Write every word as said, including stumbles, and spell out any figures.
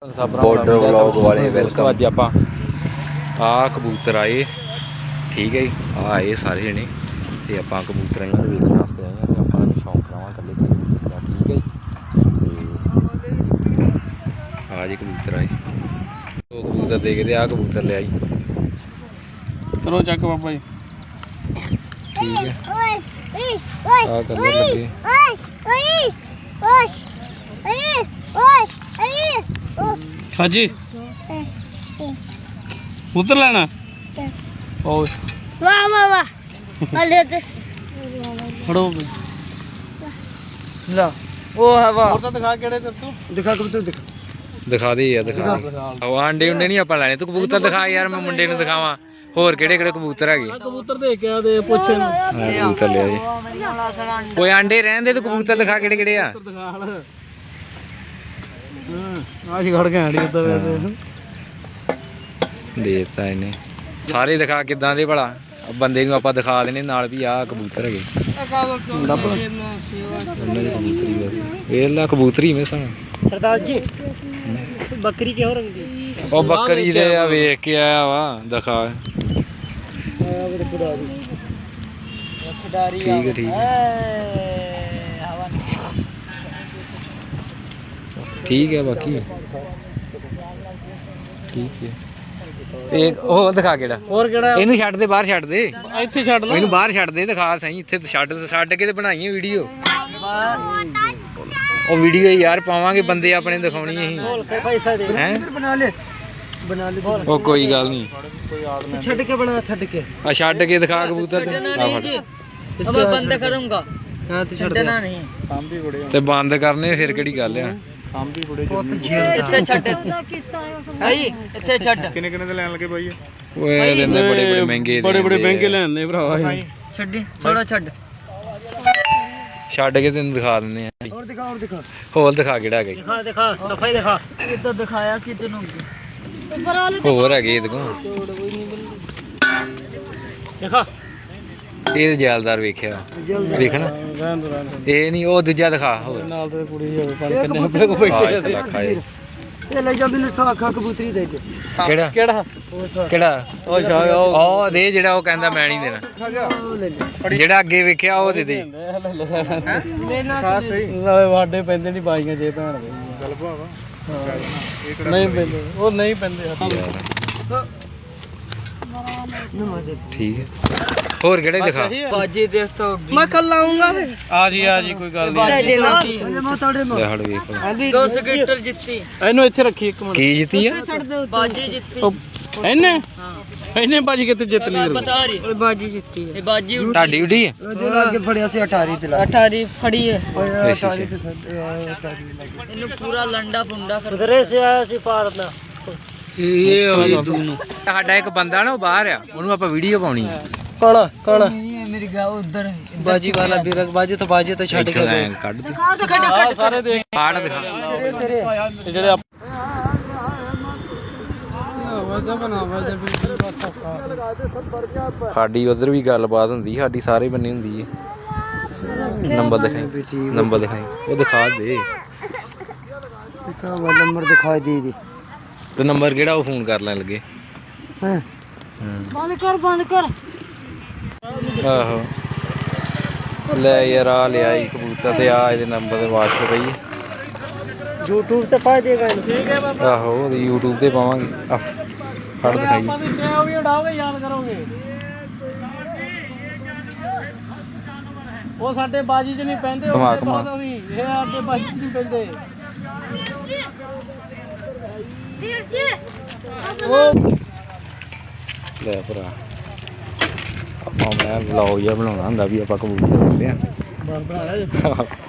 Border vlog वाले welcome. अज आप आ कबूतर आए, ठीक है जी, आ आए सारे जने तो आप कबूतर इन्होंने वेखने वास्ते आए हैं। आप शौक करावा कले कबूतर का, ठीक है जी। आ जी कबूतर आए, दो कबूतर देखते आ कबूतर ले आई। करो चेक बाबा जी, ठीक है। आ कलर लगे हाँ जी उधर लेना ओए वाह वाह वाह अले ते खड़ो ला ओ है वाह और तो दिखा केड़े तेरे तू दिखा कबूतर दिखा दिखा दे यार, दिखा दे। आंडे उंडे नहीं आप लैने, तू कबूतर दिखा यार, मैं मुंडे नूं दिखावां होर किहड़े किहड़े कबूतर है। कबूतर देख के आ दे पुੱਛ कबूतर ले जी, कोई आंडे रहन दे, तू कबूतर दिखा किहड़े किहड़े आ। आज खड़ के आड़ी उधर देता इन्हें सारे दिखा किदां दे भला, बंदे नूं आपां दिखा देने नाल भी आ कबूतर है। वेला कबूतरी में सा सरदार जी बकरी क्यों रंग दी? ओ बकरी दे आ वेख के आया वा, दिखा। ठीक है ठीक है ठीक है, बाकी ठीक है। एक ਉਹ ਦਿਖਾ ਕਿਹੜਾ ਹੋਰ ਕਿਹੜਾ? ਇਹਨੂੰ ਛੱਡ ਦੇ, ਬਾਹਰ ਛੱਡ ਦੇ, ਇੱਥੇ ਛੱਡ ਲਾ, ਇਹਨੂੰ ਬਾਹਰ ਛੱਡ ਦੇ, ਦਿਖਾ ਸਹੀ। ਇੱਥੇ ਛੱਡ ਛੱਡ ਕੇ ਤੇ ਬਣਾਈਏ ਵੀਡੀਓ। ਉਹ ਵੀਡੀਓ ਯਾਰ ਪਾਵਾਂਗੇ, ਬੰਦੇ ਆਪਣੇ ਦਿਖਾਉਣੀ ਅਸੀਂ ਹੈ। ਬਣਾ ਲੈ ਬਣਾ ਲੈ ਉਹ ਕੋਈ ਗੱਲ ਨਹੀਂ, ਛੱਡ ਕੇ ਬਣਾ, ਛੱਡ ਕੇ ਆ ਛੱਡ ਕੇ ਦਿਖਾ ਕਬੂਤਰ ਤੇ। ਆ ਫੜ, अब मैं बंद करूंगा। हां तो छड्डना नहीं, काम भी बड़े ਤੇ ਬੰਦ ਕਰਨੇ ਫਿਰ ਕਿਹੜੀ ਗੱਲ ਆ। काम भी बड़े ਇੱਥੇ ਛੱਡ ਭਾਈ, ਇੱਥੇ ਛੱਡ। ਕਿੰਨੇ ਕਿੰਨੇ ਦੇ ਲੈਣ ਲੱਗੇ ਭਾਈ? ਓਏ ਦਿੰਦੇ ਬੜੇ ਬੜੇ ਮਹਿੰਗੇ, ਬੜੇ ਬੜੇ ਮਹਿੰਗੇ ਲੈਣੇ ਭਰਾਵਾ। ਛੱਡੀ ਥੋੜਾ ਛੱਡ, ਛੱਡ ਕੇ ਤੈਨੂੰ ਦਿਖਾ ਦਿੰਦੇ ਆ। ਹੋਰ ਦਿਖਾ, ਹੋਰ ਦਿਖਾ, ਹੋਰ ਦਿਖਾ ਕਿਹੜਾ ਹੈਗਾ। ਦਿਖਾ ਦਿਖਾ ਸਫਾਈ ਦਿਖਾ। ਇੱਧਰ ਦਿਖਾਇਆ ਕਿ ਤੈਨੂੰ ਹੋਰ ਹੈਗੇ ਇਹਦੇ ਕੋਲ। ਦਿਖਾ ਇਹ ਜੈਲਦਾਰ ਵੇਖਿਆ, ਵੇਖਣਾ ਇਹ ਨਹੀਂ, ਉਹ ਦੂਜਾ ਦਿਖਾ। ਹੋਰ ਨਾਲ ਤੇ ਕੁੜੀ ਹੋਵੇ ਪੰਜ ਕਿੰਨੇ ਉੱਤੇ ਕੋ ਬੈਠੇ ਇੱਕ ਲੱਖ ਆਏ। ਇਹ ਲੈ ਜਾ ਮੈਨੂੰ ਸਾਖਾ ਕਬੂਤਰੀ ਦੇ ਦੇ। ਕਿਹੜਾ ਕਿਹੜਾ ਕਿਹੜਾ? ਉਹ ਸ਼ਾਹ ਉਹ ਦੇ ਜਿਹੜਾ ਉਹ ਕਹਿੰਦਾ ਮੈਂ ਨਹੀਂ ਦੇਣਾ। ਜਿਹੜਾ ਅੱਗੇ ਵੇਖਿਆ ਉਹ ਦੇ ਦੇ। ਲੈਣਾ ਸਹੀ ਨਾਲੇ ਵਾਡੇ ਪੈਂਦੇ ਨਹੀਂ ਬਾਈਆਂ ਜੇ ਭੈਣ ਦੇ ਗੱਲ ਭਾਵਾ ਨਹੀਂ ਪੈਂਦੇ, ਉਹ ਨਹੀਂ ਪੈਂਦੇ। ठीक है, और केड़े दिखा। बाजी देख तो मैं कल आऊंगा फिर। आ जी आ जी कोई गल नहीं। ले हड़ वेख दो सेक्टर जित्ती ਇਹਨੂੰ ਇੱਥੇ ਰੱਖੀ ਇੱਕ ਮਿੰਟ। की जीती है? बाजी जित्ती ਇਹਨੇ ਇਹਨੇ ਬਾਜੀ ਕਿੱਥੇ ਜਿੱਤ ਲਈ? ਬਤਾ ਰਹੀ ਉਹ ਬਾਜੀ ਜਿੱਤੀ ਹੈ। ਇਹ ਬਾਜੀ ਤੁਹਾਡੀ ਉਡੀ ਹੈ? ਉਹਦੇ ਲਾਗੇ ਫੜਿਆ ਸੀ ਅਠਾਰੀ ਤੇ ਲਾ ਅਠਾਰੀ ਫੜੀ ਹੈ। ਅਠਾਰੀ ਤੇ ਇਹਨੂੰ ਪੂਰਾ ਲੰਡਾ ਫੁੰਡਾ ਕਰ ਉਧਰੇ ਸੇ ਆਇਆ ਸੀ ਪਾਰਨਾ। ਇਹ ਹੋਈ ਦੋਨੋਂ। ਸਾਡਾ ਇੱਕ ਬੰਦਾ ਨਾ ਉਹ ਬਾਹਰ ਆ, ਉਹਨੂੰ ਆਪਾਂ ਵੀਡੀਓ ਪਾਉਣੀ ਹੈ। ਕਾਲਾ ਕਾਲਾ ਮੇਰੀ ਗਾ ਉਧਰ ਬਾਜੀ ਵਾਲਾ ਵੀਰਕ ਬਾਜੀ ਤੋਂ ਬਾਜੀ ਤੋਂ ਛੱਡ ਕੇ ਕੱਢ ਦੇ ਸਾਰੇ ਦੇਖ ਕਾੜ ਦਿਖਾ ਤੇਰੇ ਤੇਰੇ ਜਿਹੜੇ ਆਵਾਜ਼ਾਂ ਬਣਾਵਾ ਸਾਡੀ ਉਧਰ ਵੀ ਗੱਲਬਾਤ ਹੁੰਦੀ, ਸਾਡੀ ਸਾਰੇ ਬੰਨੇ ਹੁੰਦੀ ਹੈ। ਨੰਬਰ ਦਿਖਾਈ, ਨੰਬਰ ਦਿਖਾਈ, ਉਹ ਦਿਖਾ ਦੇ। ਨੰਬਰ ਦਿਖਾਈ ਦੇ ਦੇ ਤੇ ਨੰਬਰ ਕਿਹੜਾ ਉਹ ਫੋਨ ਕਰ ਲੈਣ ਲੱਗੇ। ਹਾਂ ਬੰਦ ਕਰ ਬੰਦ ਕਰ। ਆਹੋ ਲੈ ਯਾਰ ਆ ਲਿਆ ਹੀ ਕਬੂਤਰ ਤੇ ਆ ਇਹਦੇ ਨੰਬਰ ਤੇ ਵਾਟਸਐਪ ਪਈ ਹੈ। YouTube ਤੇ ਪਾ ਦੇਗਾ ਇਹਨੂੰ। ਠੀਕ ਹੈ ਬਾਬਾ। ਆਹੋ ਉਹਦੀ YouTube ਤੇ ਪਾਵਾਂਗੇ। ਆ ਫੜ ਦਿਖਾਈ। ਆਪਾਂ ਤੇ ਉਹ ਵੀ ਉਡਾਓਗੇ, ਯਾਦ ਕਰੋਗੇ। ਉਹ ਸਾਡੇ ਬਾਜੀ 'ਚ ਨਹੀਂ ਪੈਂਦੇ, ਉਹ ਕਮਾ ਕਮਾ ਇਹ ਸਾਡੇ ਬਾਜੀ 'ਚ ਨਹੀਂ ਪੈਂਦੇ। ਲੈ ਭਰਾ ਆਪਾਂ ਮੈਂ ਵਲੌਗ ਜਿਹਾ ਬਣਾਉਣਾ ਹੁੰਦਾ ਵੀ ਆਪਾਂ ਕਬੂਤਰ ਲੈਂਦੇ ਆ। ਬਣ ਬਣਾ ਲੈ।